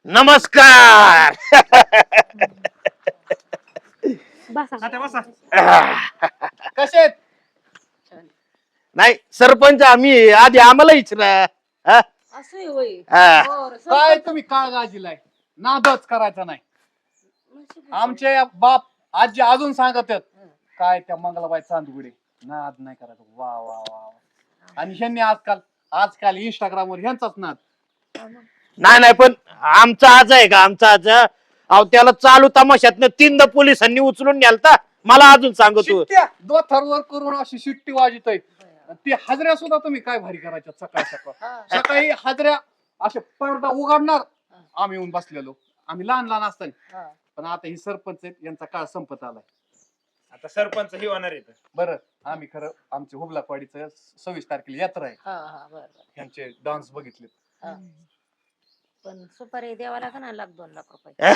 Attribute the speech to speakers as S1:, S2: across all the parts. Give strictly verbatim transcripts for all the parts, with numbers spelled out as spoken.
S1: नमस्कार.
S2: कसे
S1: नाही सरपंच आम्ही आधी आम्हाला इचरा. हा?
S3: असं होय
S1: हा.
S3: बरं,
S2: काय
S3: सरपंच.
S2: तुम्ही काळगाजीलाय नादच करायचा नाही. आमचे बाप आजी अजून सांगत आहेत काय त्या मंगलाबाई चांदगुडे नाद नाही करायचा. वा वा वा वा. आणि ह्यांनी आजकाल आजकाल इंस्टाग्राम वर ह्यांचाच नाद.
S1: नाही नाही पण आमचा आज आहे का आमचा आज अहो त्याला चालू तमाशातनं तीनदा पोलिसांनी उचलून न्यालता. मला अजून सांगतो
S2: शिट्ट्या दोथरवर करून अशी शिट्टी वाजत आहे. ती हाजऱ्या सुद्धा तुम्ही काय भारी करायच्या सकाळ सकाळ सकाळी हाजऱ्या असे पडदा उघडणार आम्ही येऊन बसलेलो आम्ही लहान लहान असताना. पण आता ही सरपंच आहेत यांचा काळ संपत आलाय.
S4: आता सरपंच ही होणार आहे.
S2: बरं आम्ही खरं आमच्या हुबलाकवाडीचं सव्वीस तारखेला यात्रा आहे.
S3: हा हा बरं बरं.
S2: ह्यांचे डान्स बघितले.
S3: हा. पण सुपारी द्यावा का ना लाख दोन लाख रुपये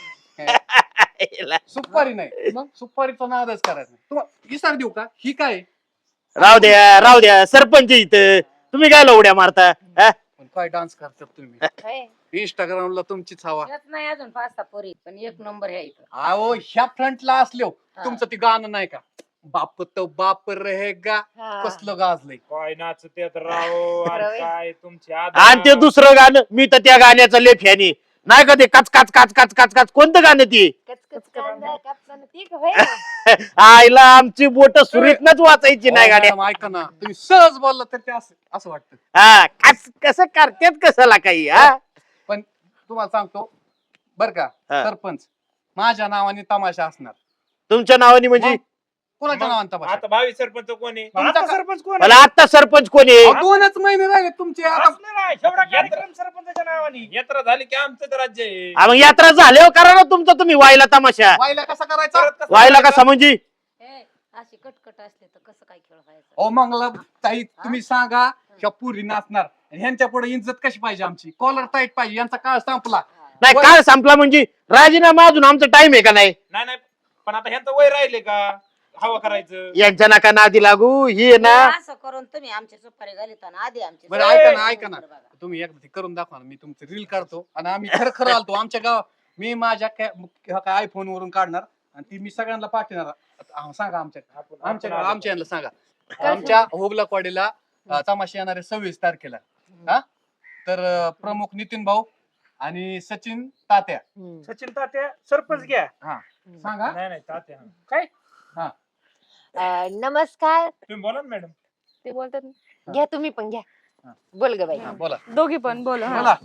S2: सुपारी नाही मग सुपारीचा नादच करायचा नाही. तुम्हाला विचार देऊ का ही काय
S1: राहू द्या राहू द्या सरपंच इथं तुम्ही काय लवड्या मारता. हा?
S2: पण काय डान्स करतात तुम्ही इंस्टाग्रामला तुमचीच हवा.
S3: यात नाही अजून पाच सहा पोरी पण एक नंबर आहे इथं.
S2: अहो ह्या फ्रंटला असलो
S3: हा.
S2: तुमचं ते गाणं नाही का बाप तो बाप रहेगा कसलं गाजलंय.
S4: काय नाचतेत राव आणि
S3: रवी.
S4: काय तुमची
S1: आणि ते दुसरं गाणं मी तर त्या गाण्याचं लय फॅन आहे. नाही का ते काच काच काच काच काच काच कोणतं गाणं ती
S3: कचकच कांदा कापताना ती का होय?
S1: आईला आमची बोट सुरीतनच वाचायची नाही
S2: अहो,
S1: गाड्या.
S2: मॅडम, ऐका ना तुम्ही सहज बोलला तर ते असं असं वाटतं.
S1: हा कस कसं करतेत कशाला काही. हा
S2: पण तुम्हाला सांगतो बर का
S1: हा.
S2: सरपंच माझ्या नावाने तमाशा असणार.
S1: तुमच्या नावाने म्हणजे
S2: मग? कोणाच्या नावाने तमाशा
S4: आता भावी सरपंच कोण आहे?
S2: तुमचा
S4: आता
S2: का-
S4: सरपंच कोण
S1: मला आता सरपंच कोणी
S2: अहो, दोनच महिने राहिले तुमचे आता.
S4: असलं नाही, एवढा कार्यक्रम सरपंचाच्या नावाने यात्रा झाली की आमचं तर राज्य आहे.
S1: मग यात्रा झाल्यावर करा ना तुमचा तुम्ही वायला तमाशा.
S2: वायला कसा करायचा
S4: परत कसं
S1: वायला
S4: करायचं?
S1: कसा म्हणजे
S3: हे, अशी कटकट असले तर कसं काय खेळ व्हायचा?
S2: ओ मंगला ताई तुम्ही सांगा ह्या पुरी नाचणार आणि ह्यांच्या पुढे इज्जत कशी पाहिजे आमची कॉलर टाईट पाहिजे यांचा काळ संपला.
S1: नाही काळ संपला म्हणजे राजीनामा अजून आमचा टाइम आहे का नाही.
S4: नाही नाही पण आता ह्यांचं वय राहिले का हवा करायचं.
S1: यांच्या नका नादी लागू ही आहे ना.
S3: असं करून तुम्ही आमची सुपारी घालिताना आधी आमची
S2: बरं
S3: सुपारी
S2: ऐका ना
S3: घालून
S2: ऐका ना
S3: बघा.
S2: तुम्ही एकदा ते करून दाखवा ना मी तुमचं रील काढतो आणि आम्ही खरं खरं आलतो आमच्या गाव मी माझ्या काय आयफोन वरून काढणार आणि ती मी सगळ्यांना पाठवणार. आ, सांगा आमच्या आमच्या आमच्या यांना सांगा आमच्या होबलाकवाडीला अ, तमाशा येणार आहे सव्वीस तारखेला. हा तर अ, प्रमुख नितीन भाऊ आणि सचिन तात्या.
S3: हम्म.
S4: सचिन तात्या सरपंच घ्या.
S2: हा सांगा
S4: नाही नाही तात्या काय
S5: अं, नमस्कार
S4: तुम्ही बोला ना मॅडम.
S5: ते बोलतात ना. घ्या तुम्ही पण घ्या
S2: हा.
S5: बोल ग बाई
S2: हा, बोला
S6: दोघी पण बोल हा.
S2: बोला.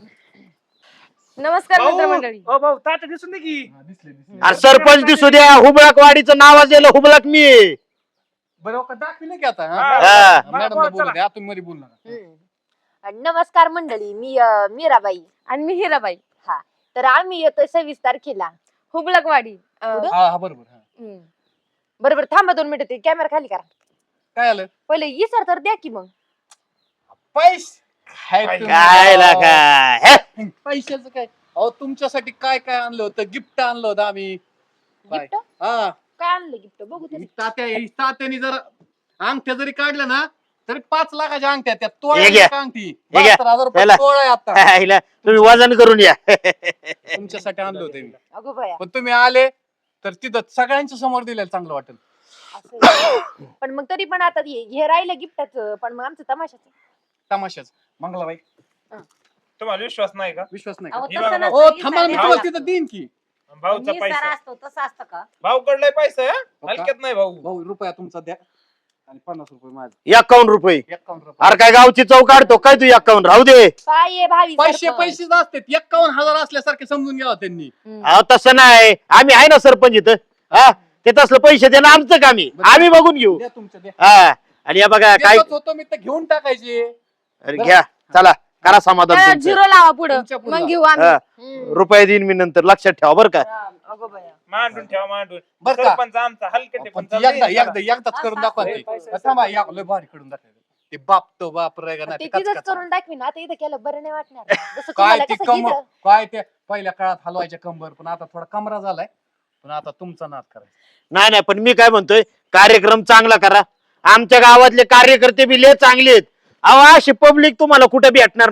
S6: नमस्कार मित्रमंडळी.
S4: भाऊ भाऊ तात्या दिसून दे की.
S2: हा, दिसले दिसले
S1: अरे सरपंच दिसू द्या. हुबळक वाडीचं नाव असलेलं हुबळक मी आहे.
S2: बरं का दाखविले की आता
S4: हा.
S1: हा.
S2: मॅडम
S4: बोला,
S2: बोलू
S4: चला.
S2: द्या तुम्ही मध्ये बोलू नका.
S5: हम्म. अं, नमस्कार मंडळी मी अं, मीराबाई.
S6: आणि मी हिराबाई
S5: हा तर आम्ही येतोय सव्वीस तारखेला.
S6: हुबळकवाडी अं,
S5: कुठं?
S2: हा हा बरोबर हा.
S6: हम्म.
S5: बरोबर थांबा दोन मिनिटं ते कॅमेरा खाली करा.
S2: काय आलं
S5: पहिले इसर तर द्या की मग.
S2: पैसे काय
S4: काय
S2: तुम्ही-
S1: काय लागा हे?
S2: पैशाचं काय अहो तुमच्यासाठी काय काय आणलं होतं गिफ्ट आणलं होतं आम्ही काय?
S5: गिफ्ट
S2: हा
S5: काय आणलं गिफ्ट बघू
S2: ही
S5: तरी.
S2: तात्या ही तात्याने जर अंगठ्या जरी काढल्या ना तरी पाच लाखाच्या अंगठ्या त्या
S1: हे
S2: तोळ्या
S1: घ्या.
S2: अंगठी
S1: हे घ्या.
S2: बहात्तर हजार रुपये
S1: त्याला-
S2: तोळा आहे आता
S1: हिला तुम्ही वजन करून या.
S2: तुमच्यासाठी आणलं होतं मी
S5: अगो बाया
S2: पण तुम्ही आले तर तिथं सगळ्यांच्या समोर दिलेलं चांगलं वाटेल.
S5: असं आहे. पण मग तरी पण आता हे हे राहिलं गिफ्टाचं पण मग आमचं तमाशाचं.
S2: तमाशाच मंगलाबाई
S4: तुम्हाला विश्वास नाही का?
S2: विश्वास नाही
S3: अहो,
S2: का?
S4: हे
S3: तसं
S4: बघा,
S3: नसतं,
S2: हो
S3: ही
S2: थांबा मी
S3: साडी
S2: तुम्हाला
S3: घाला.
S2: तिथं देईन की
S4: भाऊचा
S3: मी
S4: पैसा
S3: सारा असतो तसं असतं का?
S4: भाऊ कडलाय पैसा आहे,
S2: हो का?
S4: हलक्यात नाही भाऊ.
S2: भाऊ रुपया तुमचा द्या आणि पन्नास रुपये माझे
S1: एकावन्न रुपये.
S2: एकावन्न रुपये
S1: अरे काय गावची चौक काढतो काय तू एकावन्न राहू दे.
S5: काय आहे भावी
S2: पैसे
S5: सरपंच?
S2: पैसेच असतात एकावन्न हजार असल्यासारखे समजून घ्यावं त्यांनी.
S5: हम्म.
S1: अहो तसं नाही आम्ही आहे ना सरपंच इथं. हा ते तसलं पैसे देणं आमचं काम आहे. आम्ही बघून घेऊ.
S2: द्या तुमच्या द्या
S1: हा आणि या बघा काय
S2: देतच होतो मी तर घेऊन टाकायचे.
S1: अरे घ्या चला करा समाधान
S6: त्याला
S1: तुमचं.
S6: झिरो लावा पुढं
S2: तुमच्या पुढं.
S6: मग घेऊ आम्ही.
S1: हा,
S5: हम्म.
S1: रुपये देईन मी नंतर लक्षात ठेवा बरं का.
S5: अगो बाया
S4: मांडून ठेवा मांडून.
S2: बरं का?
S4: सरपंच आमचा हलकट आहे,
S2: पण
S4: पण
S2: ती
S4: चाललंय
S2: एकदा
S4: जरा.
S2: एकदा एकदाच करून दाखवा ते. थांबा या लय भारी करून दाखवा ते बाप तो बाप रेगा
S5: ते
S2: नाही
S5: तिथंच करून टाकवीन आता इथं केलं बरं नाही वाटणार जसं
S2: काय
S5: तुम्हाला
S2: ते
S5: कसं
S2: कम
S5: इथं.
S2: काय ते पहिल्या काळात हलवायच्या कंबर पण आता थोडा कमरा झालाय पण आता तुमचा नाद करायचा.
S1: नाही नाही पण मी काय म्हणतोय कार्यक्रम चांगला करा. आमच्या गावातले कार्यकर्ते बी लय चांगले आहेत. अहो अशी पब्लिक तुम्हाला कुठे भेटणार नाही.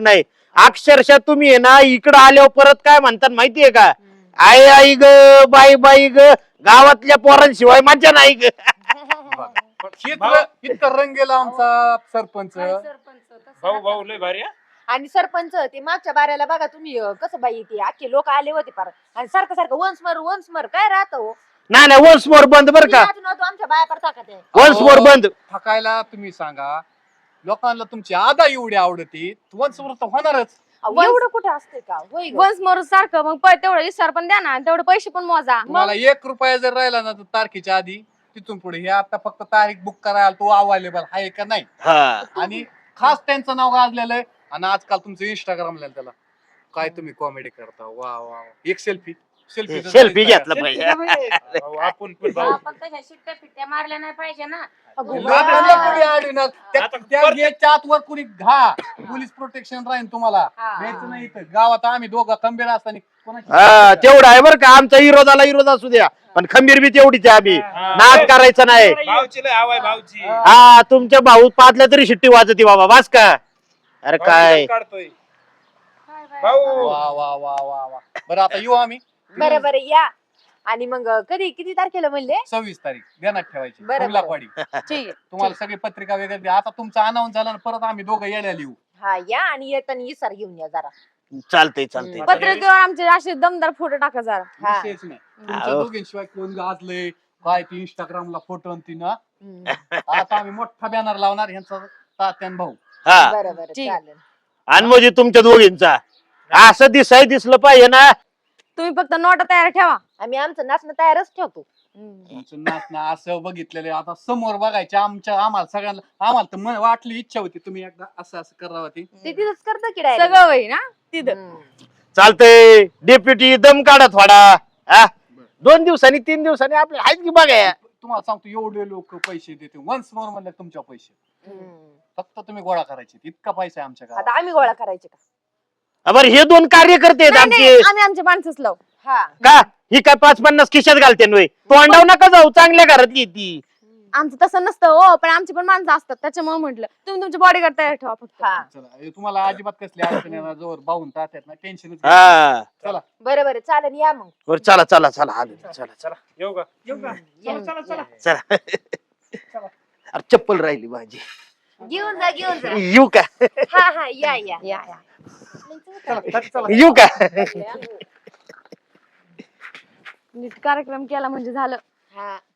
S1: अक्षरशः तुम्ही आहे ना इकडं आल्यावर परत काय म्हणतात माहितीये का? आई आई ग बाई बाई ग गावातल्या पोरांशिवाय मजा नाही ग.
S2: पण इतकं इतकं रंग गेला आमचा सरपंच.
S4: भाऊ भाऊ लय भारी हा.
S5: आणि सरपंच ते मागच्या बाऱ्याला बघा तुम्ही अं, कसं बाई ते अख्खे लोक आले होते पार आणि सारखं सारखं वन्स मर वन्स मर काय राहत हो
S1: नाही नाही वन्स मोर बंद बर का.
S5: अजून अजून आमच्या बाया पडता का ते
S1: वन्स मोर बंद.
S2: थकायला तुम्ही सांगा. लोकांना तुमची आदा एवढी आवडती वंच तर होणारच.
S5: अहो, एवढं कुठं असते का होय गं.
S6: वन्स मोर सारखं मग प- तेवढं विस्तार पण द्या ना आणि तेवढे पैसे पण मोजा.
S2: तुम्हाला एक रुपया जर राहिला ना तर तारखेच्या आधी तिथून पुढे हे आता फक्त तारीख बुक करायला तो अवेलेबल आहे का नाही.
S1: हा
S2: आणि खास त्यांचं नाव गाजलेलं आहे. आणि आजकाल तुमचं इंस्टाग्रामला त्याला काय तुम्ही कॉमेडी करता. वा वा वा. एक सेल्फी सेल्फी
S1: सेल्फी घेतला पाहिजे.
S4: भाऊ, आपण पण भाऊ
S3: आपण तशा शिट्ट्या फिट्ट्या मारल्या नाही पाहिजे ना.
S5: अगो
S2: लोकांना
S5: बाई.
S2: कोणी अडवणार. त्या-
S4: आता
S2: त्या
S4: परत-
S2: गेटच्या आतवर कुणी घा पोलीस प्रोटेक्शन राहील तुम्हाला.
S5: हा.
S2: द्यायचं नाही इथं गावात आम्ही दोघं खंबीर असताना कोणाची-
S1: हा तेवढं आहे बरं का. आमचा विरोधाला विरोध असू द्या पण खंबीर बी तेवढीच आहे आम्ही.
S4: हा.
S1: नाद करायचं नाही.
S4: भाऊची लय हवाय भाऊची.
S1: हा तुमच्या भाऊ पाचल्या तरी शिट्टी वाजती बाबा वाच का. अरे काय
S4: भाऊ काढतोय भाऊ.
S2: वा वा वा वा वा. बरं आता येऊ आम्ही
S5: बरं बरं या आणि मग कधी किती तारखेला म्हणले
S2: सव्वीस तारीख ध्यानात ठेवायची
S5: बरं, बरं.
S2: कुर्लाकवाडी.
S6: ठीक आहे.
S2: तुम्हाला सगळी पत्रिका वगैरे द्या. आता तुमचा अनाऊन्स झाला ना परत आम्ही दोघं यायला लिहू.
S5: हा या आणि येताना इसार घेऊन या जरा
S1: चालतंय चालतंय.
S6: पत्रिकेवर आमचे असे दमदार फोटो टाका जरा.
S5: हा.
S2: विषयच नाही. तुमच्या
S1: अहो.
S2: दोघींशिवाय कोण गाजलंय काय ती इंस्टाग्रामला फोटो ती ना.
S5: हम्म.
S2: आता आम्ही मोठा बॅनर लावणार यांचा तात्यान भाऊ.
S1: हा
S5: बरं बरं
S6: ठीक.
S5: चालेल
S1: आणि म्हणजे तुमच्या दोघींचा असं दिसाय दिसलं पाहिजे ना.
S6: तुम्ही फक्त नोटा तयार ठेवा.
S5: आम्ही आमचं नाचणं तयारच ठेवतो
S2: तुमचं नाचणं असं बघितलेलं आता समोर बघायचे आमच्या आम्हाला सगळ्यांना. आम्हाला तर मन- वाटली इच्छा होती तुम्ही एकदा असं असं करावं ती.
S5: ते तिथंच करतं की direct?
S6: सगळं होई ना तिथं.
S5: हम्म.
S1: चालतंय. डेप्युटी दम काढा थोडा. हा दोन दिवसांनी तीन दिवसांनी आपले आहेत की बघा.
S2: तुम्हाला सांगतो एवढे लोक पैसे देते वन्स मोर म्हणलं तुमच्या पैसे
S5: हम्म.
S2: फक्त तुम्ही गोळा करायचे. इतका पैसा आहे आमच्या गावात.
S5: आता आम्ही गोळा करायचे का
S1: बरं हे दोन कार्यकर्ते आहेत
S6: नाही,
S1: आमचे.
S6: नाही, आम्ही आमचे माणसंच लावू.
S5: हा
S1: का ही काय पाच पन्नास खिशात घालते नव्हे. तोंडाव नका जाऊ चांगल्या घरातली ती.
S6: आमचं तसं नसतं हो पण आमची पण माणसं असतात त्याच्यामुळे म्हटलं तुम्ही तुमचे बॉडीगार्ड तयार ठेवा फक्त.
S5: हा
S2: चला हे तुम्हाला अजिबात कसली अडचण येणार जोर बाहून तात्यात ना टेन्शनच घेऊ.
S1: हा
S2: चला
S5: बरं बरं चालेल या मग
S1: बरं चला चला चला आलो चला चला
S4: येऊ का येऊ का
S5: या,
S4: चला चला
S5: या.
S1: चला. अरे चप्पल राहिली माझी.
S5: घेऊन जा घेऊन जा
S1: येऊ का
S5: हा हा या या
S6: या या.
S1: येऊ का.
S6: नीट कार्यक्रम केला म्हणजे झालं.
S5: हा